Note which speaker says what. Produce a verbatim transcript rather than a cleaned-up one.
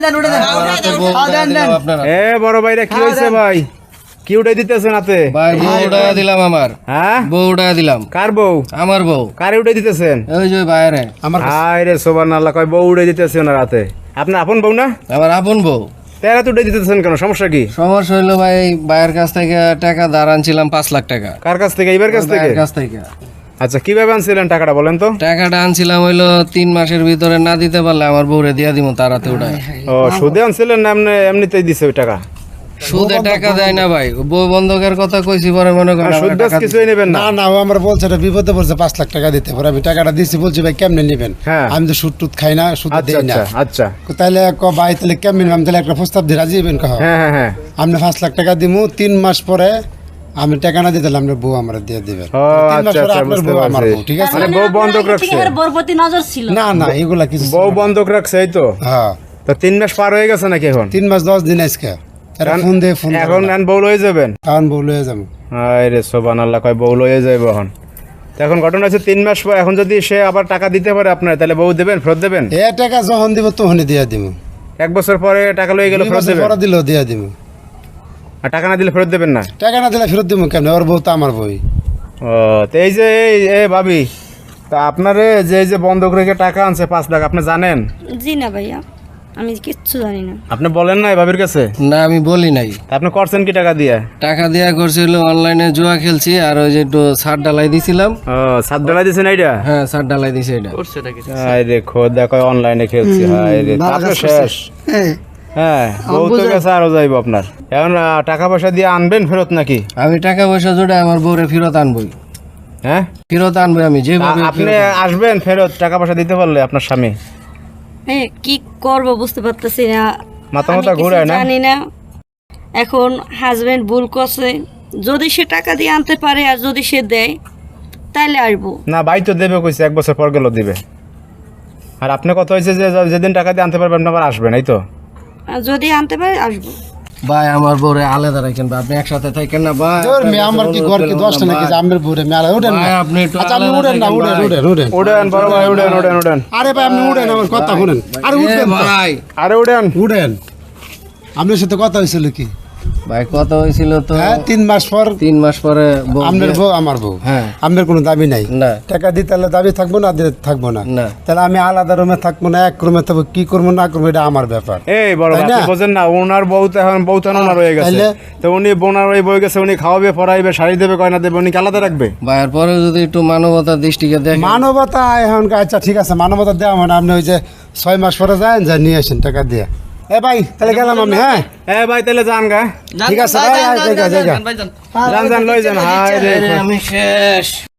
Speaker 1: এ বড় ভাইরা কি হয়েছে ভাই? কি উঠাই দিতেছেন হাতে?
Speaker 2: ভাই বউ উঠাইয়া দিলাম আমার।
Speaker 1: হ্যাঁ
Speaker 2: বউ উঠাইয়া দিলাম।
Speaker 1: কার বউ?
Speaker 2: আমার বউ।
Speaker 1: কারে উঠাই দিতেছেন?
Speaker 2: ওই যে বাইরে আমার।
Speaker 1: হায় রে সুবহানাল্লাহ, কয় বউ উঠাই দিতেছে ওনার হাতে। আপনার আপন বউ না?
Speaker 2: আমার আপন বউ।
Speaker 1: তেরা তো উঠাই দিতেছেন কেন, সমস্যা কি?
Speaker 2: সমস্যা হইলো ভাই, ভাইয়ের কাছ থেকে টাকা ধার আনছিলাম পাঁচ লাখ টাকা।
Speaker 1: কার কাছ থেকে? এইবার কাছ থেকে?
Speaker 2: ভাইয়ের কাছ থেকে।
Speaker 1: আচ্ছা, কিভাবে আনছিলেন টাকাটা বলেন তো?
Speaker 2: টাকাটা আনছিলাম হইলো তিন মাসের ভিতরে না দিতে পারলে আমার বউরে দিয়া দিব তার হাতে উঠায়।
Speaker 1: ও সুদে আনছিলেন না এমনি এমনিতেই দিছে ওই টাকা?
Speaker 2: সুদে টাকা দেয় না ভাই, বউ বন্ধকের কথা কইছি পরে মনে করেন
Speaker 1: সুদ বাস কিছুই নেবেন না?
Speaker 3: না না, ও আমার বলছে এটা বিপদে পড়ছে, পাঁচ লাখ টাকা দিতে পারে। আমি টাকাটা দিচ্ছি, বলছি ভাই কেমনে নেবেন?
Speaker 1: হ্যাঁ।
Speaker 3: আমি তো সুদ টুদ খাই না, সুদ
Speaker 1: আচ্ছা
Speaker 3: দিই না।
Speaker 1: আচ্ছা আচ্ছা।
Speaker 3: তাহলে ক ভাই তাহলে কেমনে নিবেন? আমি তাহলে একটা প্রস্তাব দিয়ে রাজি হবেন? কহ
Speaker 1: হ্যাঁ হ্যাঁ হ্যাঁ।
Speaker 3: আপনি পাঁচ লাখ টাকা দিমু, তিন মাস পরে আমি টাকা না দিতে আপনার বউ আমার দিয়ে দিবেন।
Speaker 1: ও
Speaker 3: তিন মাস
Speaker 1: আচ্ছা
Speaker 3: পরে
Speaker 1: আচ্ছা,
Speaker 3: আপনার
Speaker 1: বুঝতে
Speaker 3: বউ আমার
Speaker 1: পারছি।
Speaker 3: বউ, ঠিক আছে?
Speaker 1: মানে বউ বন্ধক রাখছে?
Speaker 4: বউর প্রতি নজর ছিল
Speaker 3: না না, এগুলা কিছু ছিল
Speaker 1: বউ
Speaker 3: না।
Speaker 1: বন্ধক রাখছে, এই তো?
Speaker 3: হ্যাঁ,
Speaker 1: তো তিন মাস পার হয়ে গেছে নাকি এখন?
Speaker 3: তিন মাস দশ দিন আজকে এরা ফোন দিয়ে ফোন
Speaker 1: এখন নেন বউ লয়ে যাবেন?
Speaker 3: কারণ বউ লয়ে যাবো।
Speaker 1: হায় রে সুবহানাল্লাহ, কয় বউ লয়ে যাইব এখন। তো এখন ঘটনা হচ্ছে তিন মাস পর, এখন যদি সে আবার টাকা দিতে পারে আপনার, তাহলে বউ দেবেন, ফেরত দেবেন?
Speaker 3: এ টাকা যখন দিব তখনই দিয়ে দিব।
Speaker 1: এক বছর পরে টাকা লয়ে গেলে ফেরত দেবেন?
Speaker 3: পরে দিলেও দিয়ে দিব।
Speaker 1: আর টাকা না দিলে ফেরত দেবেন না?
Speaker 3: টাকা না দিলে ফেরত দিব কেন? ওর বউ তো আমার বই।
Speaker 1: ও তো এই যে এই এ ভাবি, তা আপনারে যে এই যে বন্ধক রেখে টাকা আনছে পাঁচ লাখ, আপনি জানেন?
Speaker 4: জি না ভাইয়া, আমি কিচ্ছু জানি না।
Speaker 1: আপনি বলেন নাই ভাবির কাছে?
Speaker 2: না আমি বলি নাই।
Speaker 1: তা আপনি করছেন কি টাকা দিয়ে?
Speaker 2: টাকা দিয়া করছিল অনলাইনে জুয়া খেলছি, আর ওই যে একটু সার ডালাই দিছিলাম।
Speaker 1: ও সাত ডলার দিয়েছেন এইটা?
Speaker 2: হ্যাঁ সার ডালাই দিছে এটা।
Speaker 1: হায় রে খোদা, কয় অনলাইনে খেলছি। হায় রে, আপনি শেষ। হ্যাঁ, বউ তো গেছে, আরো যাইব আপনার। এখন আহ, টাকা পয়সা দিয়ে আনবেন ফেরত নাকি?
Speaker 2: আমি টাকা পয়সা জোড়ে আমার বউরে ফেরত আনবই।
Speaker 1: হ্যাঁ,
Speaker 2: ফেরত আনবই আমি যেভাবে।
Speaker 1: আ- আপনি আসবেন ফেরত টাকা পয়সা দিতে পারলে আপনার স্বামী?
Speaker 4: হ্যাঁ, কি করব বুঝতে পারতেছি না।
Speaker 1: মাথা
Speaker 4: আমি
Speaker 1: মাথা
Speaker 4: কিছু
Speaker 1: ঘুরায় না?
Speaker 4: জানি না। এখন হাজবেন্ড ভুল করছে, যদি সে টাকা দিয়ে আনতে পারে আর যদি সে দেয় তাইলে আসবো।
Speaker 1: না, ভাই তো দেবে কইছে, এক বছর পর গেল দিবে। আর আপনি কত হয়েছে যে যেদিন টাকা দিয়ে আনতে পারবেন আপনি আবার আসবেন, এই তো?
Speaker 4: আর যদি আনতে পারে আসবো।
Speaker 2: ভাই আমার বউরে আলাদা রাখেন ভাই, আপনি একসাথে থাকেন না ভাই।
Speaker 3: তোর মেয়ে আমার কি ঘর কি দশটা নাকি যে আমের বউরে মেলা উঠেন না?
Speaker 2: ভাই, আপনি একটু
Speaker 3: আচ্ছা আপনি
Speaker 2: আলাদা
Speaker 3: উঠেন না,
Speaker 2: থাকেন
Speaker 3: উঠেন
Speaker 2: ভাই।
Speaker 3: উঠেন উঠেন
Speaker 1: উড়েন বড় ভাই, উড়েন উড়েন উড়েন।
Speaker 3: আরে ভাই আপনি উঠেন, আমার কথা শুনেন। আরে
Speaker 2: এ
Speaker 3: উঠবেন তো।
Speaker 2: ভাই
Speaker 1: আরে উড়েন।
Speaker 3: উঠেন। আপনার সাথে কথা হয়েছিল কি?
Speaker 2: ভাই কত হয়েছিল তো?
Speaker 3: হ্যাঁ, তিন মাস পর
Speaker 2: তিন মাস পরে বউ
Speaker 3: আপনার
Speaker 2: দিয়ে-
Speaker 3: বউ আমার বউ।
Speaker 2: হ্যাঁ।
Speaker 3: আপনার কোনো দাবি নাই?
Speaker 2: না
Speaker 3: টাকা দিতে হলে দাবি থাকবো না, দিতে থাকবো না।
Speaker 2: না।
Speaker 3: তাহলে আমি আলাদা রুমে থাকবো না, এক রুমে থাকবো, কি করবো না করবো এটা আমার ব্যাপার।
Speaker 1: এই বড় ভাই,
Speaker 3: তাই না?
Speaker 1: আপনি বোঝেন না, ওনার বউ তো এখন বউ তো এখন ওনার হয়ে গেছে।
Speaker 3: তাইলে?
Speaker 1: তো উনি বোনার ওই বই গেছে, উনি খাওয়াবে, পড়াইবে, শাড়ি দেবে, গয়না দেবে, উনি কি আলাদা রাখবে?
Speaker 2: ভাইয়ের পরে যদি একটু মানবতার দৃষ্টিকে দেখেন।
Speaker 3: মানবতা এখন আচ্ছা ঠিক আছে, মানবতা দেওয়া মানে আপনি ওই যে ছয় মাস পরে যান, যা নিয়ে আসেন টাকা দিয়ে। এ ভাই তাহলে গেলাম আমি। হ্যাঁ
Speaker 1: এ ভাই তাহলে যান গা।
Speaker 3: ঠিক আছে ভাই, জায়গা জায়গা
Speaker 1: যান যান লই যান। হায় রে
Speaker 2: আমি শেষ।